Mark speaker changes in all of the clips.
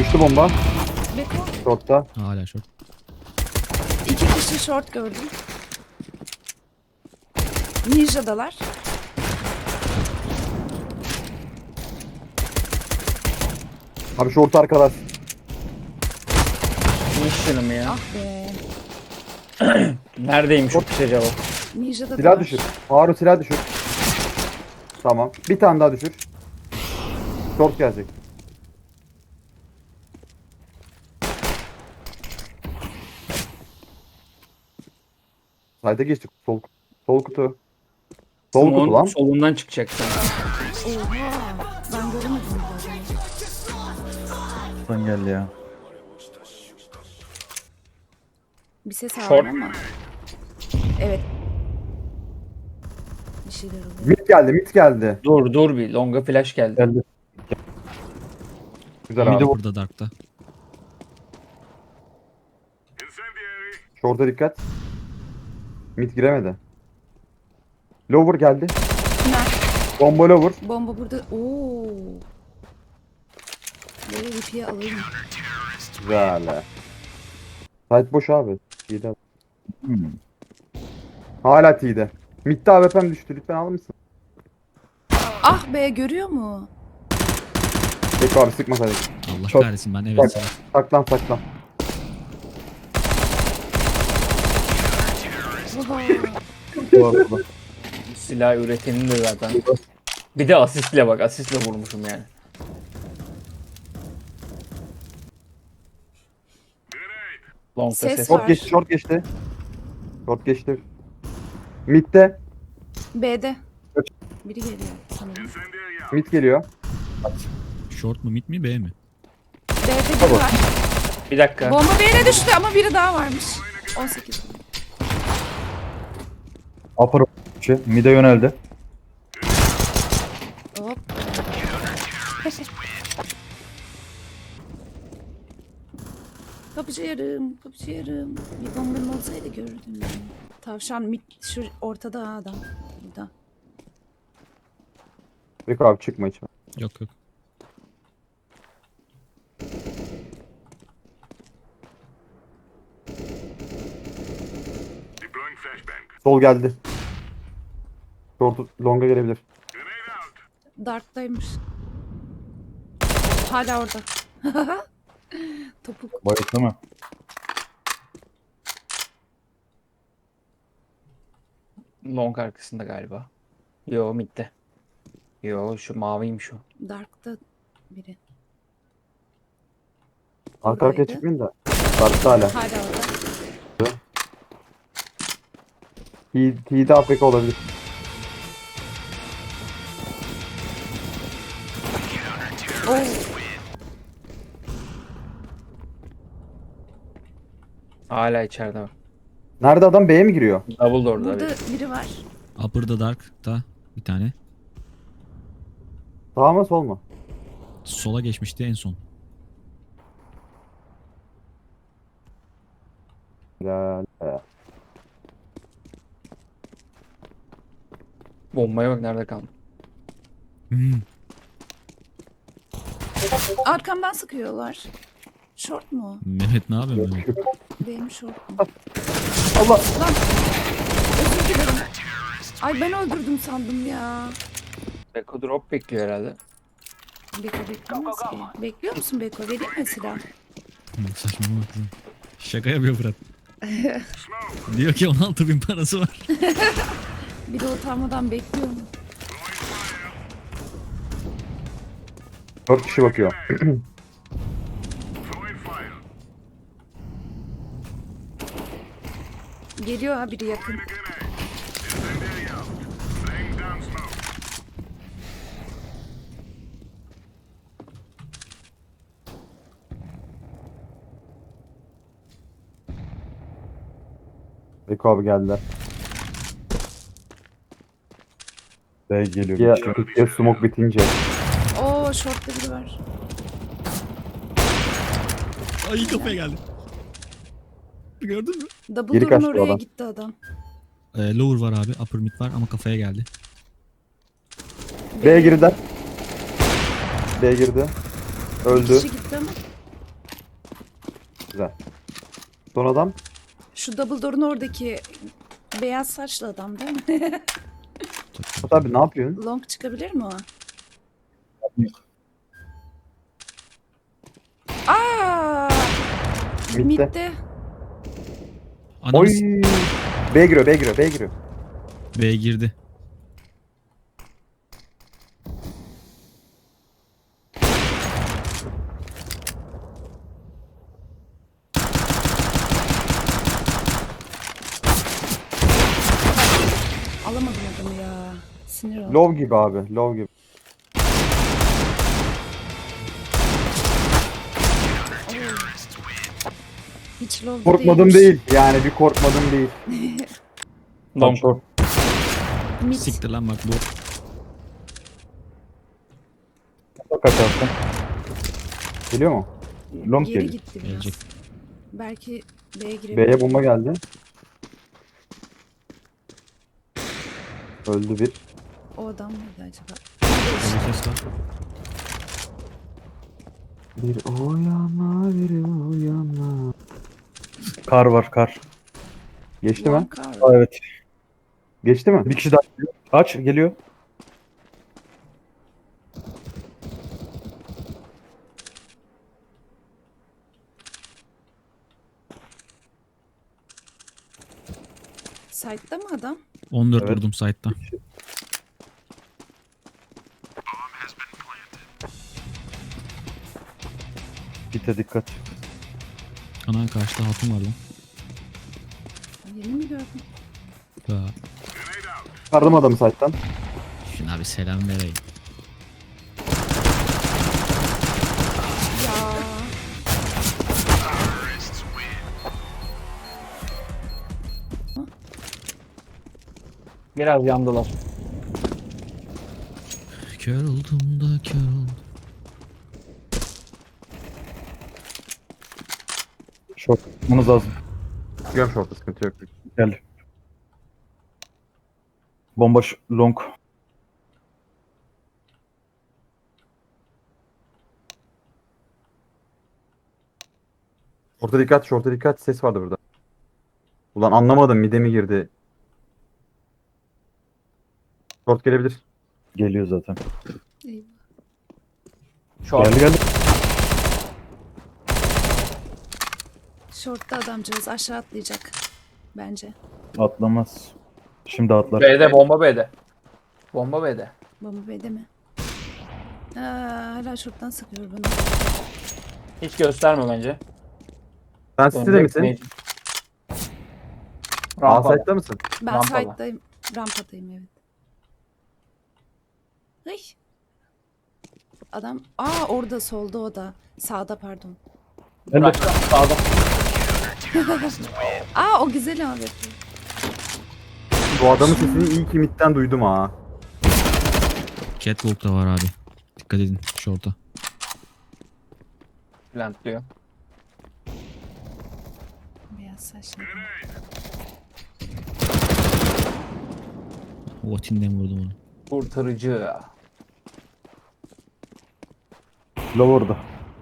Speaker 1: Düştü bomba.
Speaker 2: Beko.
Speaker 1: Short'ta.
Speaker 3: Hala short.
Speaker 2: 2 kişi short gördüm. Ninja'dalar.
Speaker 1: Abi short arkadaş.
Speaker 4: Mişyanım ya.
Speaker 2: Ah be.
Speaker 4: Neredeymiş o piş acaba?
Speaker 2: Ninja'da
Speaker 1: Silah
Speaker 2: da
Speaker 1: düşür. Harun silah düşür. Tamam. Bir tane daha düşür. Short gelecek. Sayda geçtik. Sol kutu. Sol kutu lan.
Speaker 4: Solundan çıkacak sana.
Speaker 2: Oha. Ben göremedim bu adamı.
Speaker 5: Son geldi ya.
Speaker 2: Bir ses
Speaker 4: Short.
Speaker 2: aldım ama. Evet. Bir şeyler oluyor.
Speaker 1: Mid geldi. Mid geldi.
Speaker 4: Dur bir. Longa flash geldi.
Speaker 5: Geldi.
Speaker 1: Güzel
Speaker 5: Mid'e
Speaker 1: abi.
Speaker 5: vur.
Speaker 3: Burada Dark'ta.
Speaker 1: Short'a dikkat. Mid giremedi. Lower geldi.
Speaker 2: Bunlar.
Speaker 1: Bomba lower.
Speaker 2: Bomba burada. Oo. Böyle ipiye alayım.
Speaker 1: Güzel. Site boş abi. T'de.
Speaker 5: Hmm.
Speaker 1: Hala T'de. Mid'de AWP'm düştü. Lütfen alır mısın?
Speaker 2: Ah be, görüyor mu?
Speaker 1: Peki abi sıkmasaydık.
Speaker 3: Allah
Speaker 1: Çok-
Speaker 3: kahretsin ben
Speaker 1: Bak.
Speaker 3: evet.
Speaker 1: Saklan saklan.
Speaker 2: Oha.
Speaker 4: Silah üretenin de zaten. Bir de asistle bak. Asistle vurmuşum yani. Long'da
Speaker 2: Ses
Speaker 4: ses
Speaker 2: var.
Speaker 4: var.
Speaker 1: Short geçti. Short geçti. Short geçti. Mid'de.
Speaker 2: B'de. Biri geliyor sanırım.
Speaker 1: Mid geliyor.
Speaker 3: Short mu mid mi B mi?
Speaker 2: B'de biri var.
Speaker 4: Bir dakika.
Speaker 2: Bomba bir yere düştü ama biri daha varmış. 18.
Speaker 5: Upper mid'e yöneldi.
Speaker 2: Hop. Kapıcı yarım, kapıcı yarım. Bir bombam olsaydı görürdüm yani. Tavşan mit şu ortada ha adam. Burada.
Speaker 1: Peki abi çıkma içime.
Speaker 3: Yok yok.
Speaker 1: Sol geldi. Short longa gelebilir.
Speaker 2: Dark'taymış. Hala orada. Topuk.
Speaker 5: Bayıttı mı?
Speaker 4: Long arkasında galiba. Yo midde. Yo şu maviymiş o.
Speaker 2: Dark'ta biri.
Speaker 1: Arka arkaya
Speaker 2: Oradaydı.
Speaker 1: çıkmayın da. Dark'ta hala.
Speaker 2: Hala orada.
Speaker 1: T'de AFK olabilir.
Speaker 2: Oo.
Speaker 4: Hala içeride bak.
Speaker 1: Nerede adam B'ye mi giriyor?
Speaker 4: Double door'da
Speaker 2: Burada
Speaker 4: bir.
Speaker 2: biri var.
Speaker 3: Upper'da Dark'ta bir tane.
Speaker 1: Sağ mı sol mu?
Speaker 3: Sola geçmişti en son.
Speaker 1: Güzel.
Speaker 4: Bombaya bak nerede kaldı.
Speaker 3: Hmm.
Speaker 2: Arkamdan sıkıyorlar. Short mu?
Speaker 3: Mehmet ne yapıyorsun Mehmet?
Speaker 2: Benim short mu?
Speaker 1: Allah.
Speaker 2: Lan. Özür dilerim. Ay ben öldürdüm sandım ya.
Speaker 4: Beko drop bekliyor herhalde.
Speaker 2: Beko beklemez ki. Bekliyor musun Beko? Vereyim mi silah?
Speaker 3: Saçmalama kızım. Şaka yapıyor Fırat. Diyor ki 16.000 parası var.
Speaker 2: Bir de utanmadan bekliyorum.
Speaker 1: 4 kişi bakıyor.
Speaker 2: Geliyor ha biri yakın.
Speaker 1: Beko abi geldiler.
Speaker 5: B geliyor.
Speaker 1: Ya,
Speaker 5: bir şey.
Speaker 1: ya smoke bitince.
Speaker 2: Oo short'ta biri var.
Speaker 3: Ay kafaya geldi. Gördün mü?
Speaker 2: Double
Speaker 1: Geri
Speaker 2: door'un
Speaker 1: kaçtı
Speaker 2: oraya
Speaker 1: adam.
Speaker 2: gitti adam.
Speaker 3: Lower var abi. Upper mid var ama kafaya geldi.
Speaker 1: B girdiler. B girdi.
Speaker 2: Bir
Speaker 1: Öldü.
Speaker 2: kişi gitti ama.
Speaker 1: Güzel. Son adam.
Speaker 2: Şu double door'un oradaki beyaz saçlı adam değil mi?
Speaker 1: Murat abi ne yapıyorsun?
Speaker 2: Long çıkabilir mi o? Aa!
Speaker 1: Mid'de.
Speaker 2: Mid'de.
Speaker 3: Ananı
Speaker 1: Oy.
Speaker 3: s-
Speaker 1: B giriyor, B giriyor, B giriyor.
Speaker 3: B'ye girdi.
Speaker 2: Alamadım adamı ya. Sinir oldum.
Speaker 1: Low gibi abi, low gibi.
Speaker 2: Hiç low
Speaker 1: Korkmadım değil. Yani bir korkmadım değil.
Speaker 4: Long.
Speaker 5: Short.
Speaker 2: Mid.
Speaker 3: Siktir lan bak bu.
Speaker 5: Kaçarsın.
Speaker 1: Geliyor mu?
Speaker 5: Long
Speaker 2: Geri
Speaker 5: geliyor.
Speaker 2: gitti biraz.
Speaker 3: Gelecek.
Speaker 2: Belki B'ye girebilir.
Speaker 1: B'ye bomba geldi. Öldü bir.
Speaker 2: O adam mıydı acaba?
Speaker 3: Böyle ses var.
Speaker 1: Bir uyana, bir uyana.
Speaker 5: Kar var kar.
Speaker 1: Geçti mi?
Speaker 2: Long car.
Speaker 5: Aa, evet.
Speaker 1: Geçti mi?
Speaker 5: Bir kişi daha geliyor. Aç geliyor.
Speaker 2: Side'da mı adam?
Speaker 3: 14
Speaker 5: Evet.
Speaker 3: vurdum site'da.
Speaker 5: Gite dikkat.
Speaker 3: Ana karşıda hatun var lan.
Speaker 2: Yeni mi gördüm?
Speaker 3: Ya.
Speaker 1: Çıkardım adamı site'tan.
Speaker 3: Şuna bir selam vereyim.
Speaker 2: Ya.
Speaker 4: Biraz yandılar.
Speaker 3: Kör oldum da kör oldum.
Speaker 5: Short. Bunuz lazım.
Speaker 1: Çıkıyorum short'a, sıkıntı yok.
Speaker 5: Gel. Bomba long.
Speaker 1: Short'a dikkat, short'a dikkat. Ses vardı burada. Ulan anlamadım, mide mi girdi? Short gelebilir.
Speaker 5: Geliyor zaten.
Speaker 2: Eyvah.
Speaker 4: Short.
Speaker 5: Geldi geldi.
Speaker 2: Short'ta adamcağız aşağı atlayacak. Bence.
Speaker 5: Atlamaz. Şimdi atlar.
Speaker 4: B'de bomba B'de. Bomba B'de.
Speaker 2: Bomba B'de mi? Aa, hala short'tan sıkıyor bana.
Speaker 4: Hiç gösterme bence.
Speaker 1: Sen City'de misin? A
Speaker 4: Rampada.
Speaker 1: site'da mısın?
Speaker 2: Ben
Speaker 4: Rampada.
Speaker 2: side'dayım. Rampadayım evet. Ay. Adam. Aa orada solda o da. Sağda pardon.
Speaker 4: Bırak. Sağda.
Speaker 2: Aa o güzel abi.
Speaker 1: Bu adamın sesini iyi ki midden duydum ha.
Speaker 3: Catwalk da var abi. Dikkat edin short'a.
Speaker 4: Plantlıyor.
Speaker 2: Beyaz saçlı.
Speaker 3: Votin'den vurdum onu.
Speaker 4: Kurtarıcı.
Speaker 5: Low orada.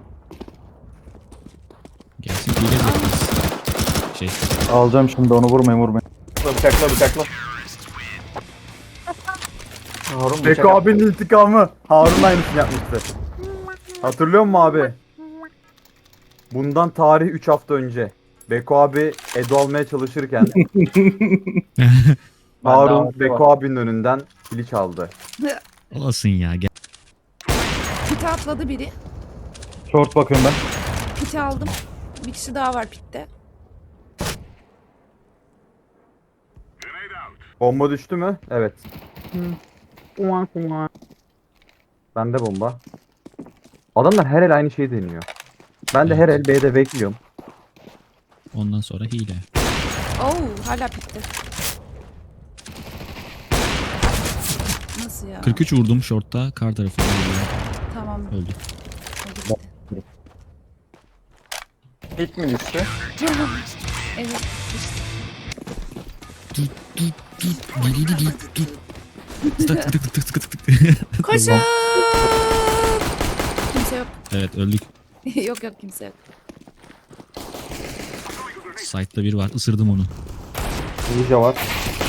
Speaker 3: Gelsin hile bekliyoruz. Şey.
Speaker 5: Alacağım şimdi onu vurmayın.
Speaker 4: Bıçakla bıçakla. Harun bıçak
Speaker 1: Beko
Speaker 4: attı.
Speaker 1: abinin intikamı. Harun aynısını yapmıştı. Hatırlıyor musun abi? Bundan tarih 3 hafta önce. Beko abi Edo almaya çalışırken Harun
Speaker 4: daveti
Speaker 1: Beko
Speaker 4: var.
Speaker 1: abinin önünden kili çaldı.
Speaker 3: Olasın ya. Gel.
Speaker 2: Pite atladı biri.
Speaker 5: Short bakıyorum ben.
Speaker 2: Pite aldım. Bir kişi daha var pitte.
Speaker 1: Bomba düştü mü? Evet. Bende bomba. Adamlar her el aynı şeyi deniyor. Ben de her el B'de bekliyorum.
Speaker 3: Ondan sonra hile.
Speaker 2: Oo hala pitte. Nasıl ya?
Speaker 3: 43 vurdum short'ta. Kar tarafında
Speaker 2: Tamam.
Speaker 3: öldü.
Speaker 2: O gitti.
Speaker 4: Hit mi düştü?
Speaker 2: Evet. işte.
Speaker 3: Tık tık tık tık tık tık tık.
Speaker 2: Koşun! Kimse yok.
Speaker 3: Evet öldük.
Speaker 2: Yok yok kimse yok.
Speaker 3: Site'da biri var. Isırdım onu.
Speaker 5: Ninja var.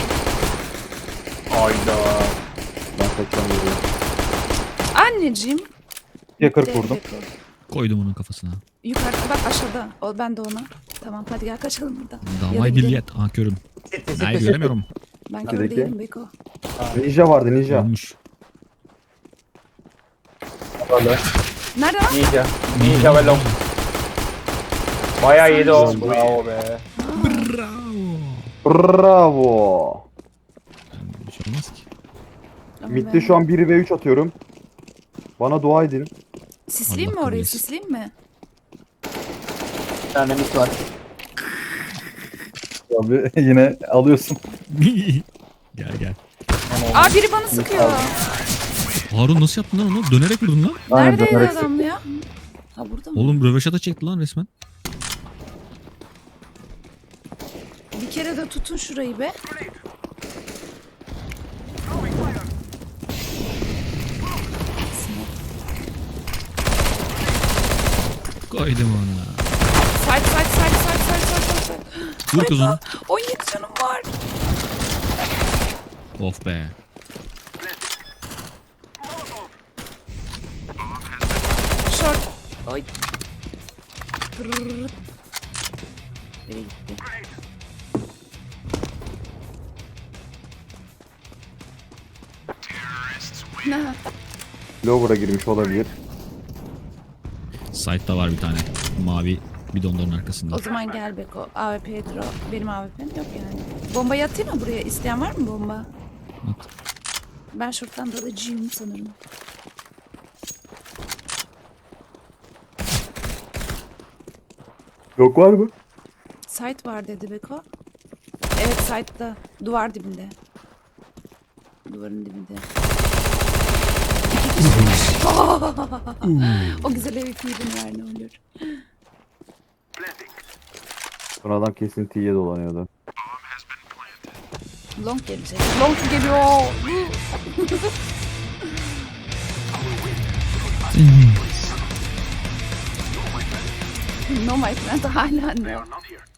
Speaker 4: Hayda.
Speaker 5: Ben kaçacağım yürüyorum.
Speaker 2: Anneciğim.
Speaker 5: Ya 40 vurdum.
Speaker 2: Beko.
Speaker 3: Koydum onun kafasına.
Speaker 2: Yukarıda bak aşağıda. O ben de ona. Tamam hadi gel kaçalım buradan. Ya da
Speaker 3: Damay
Speaker 2: gidelim.
Speaker 3: billiyet. Aa körüm. Hayır göremiyorum.
Speaker 2: Ben kör
Speaker 5: İçerideki.
Speaker 2: değilim Beko.
Speaker 5: Ninja vardı ninja.
Speaker 3: Ölmüş.
Speaker 5: Hala.
Speaker 2: Nerede lan?
Speaker 4: Ninja. Ninja ve long. Bayağı yedi o. Bravo be.
Speaker 3: Bravo.
Speaker 5: Bravo.
Speaker 3: Bir şey olmaz ki.
Speaker 2: Ama
Speaker 5: Mid'de
Speaker 2: ben-
Speaker 5: şu an 1 ve 3 atıyorum. Bana dua edin.
Speaker 2: Sisleyeyim mi
Speaker 3: Allah
Speaker 2: orayı?
Speaker 3: kabul etsin.
Speaker 2: Sisleyeyim mi?
Speaker 4: Bir tane mit var.
Speaker 5: Abi yine alıyorsun.
Speaker 3: Gel gel.
Speaker 2: Aa biri bana sıkıyor.
Speaker 3: Harun nasıl yaptın lan onu? Dönerek vurdun lan.
Speaker 5: Aynen
Speaker 2: Neredeydi
Speaker 5: dönerek
Speaker 2: adam ya? Ha burada mı?
Speaker 3: Oğlum röveşata çekti lan resmen.
Speaker 2: Bir kere de tutun şurayı be.
Speaker 3: Koydum onu.
Speaker 2: Side.
Speaker 3: Vur kız onu.
Speaker 2: 17 canım var.
Speaker 3: Of be.
Speaker 2: Short. Oy. Tırrrrt. Nereye gitti? Ne?
Speaker 5: Lower'a girmiş olabilir.
Speaker 3: Site'da var bir tane. Mavi bidonların arkasında.
Speaker 2: O zaman gel Beko. AWP'ye draw. Benim AWP'm yok yani. Bombayı atayım mı buraya? İsteyen var mı bomba?
Speaker 3: At.
Speaker 2: Ben şuradan dalacağım sanırım.
Speaker 5: Yok var mı?
Speaker 2: Site var dedi Beko. Evet site'da. Duvar dibinde. Duvarın dibinde. İki kişi. O güzel ev ver ne olur.
Speaker 5: Sonradan kesin T'ye dolanıyordu.
Speaker 2: Long gelecek. Long geliyor. No my friend hala ne?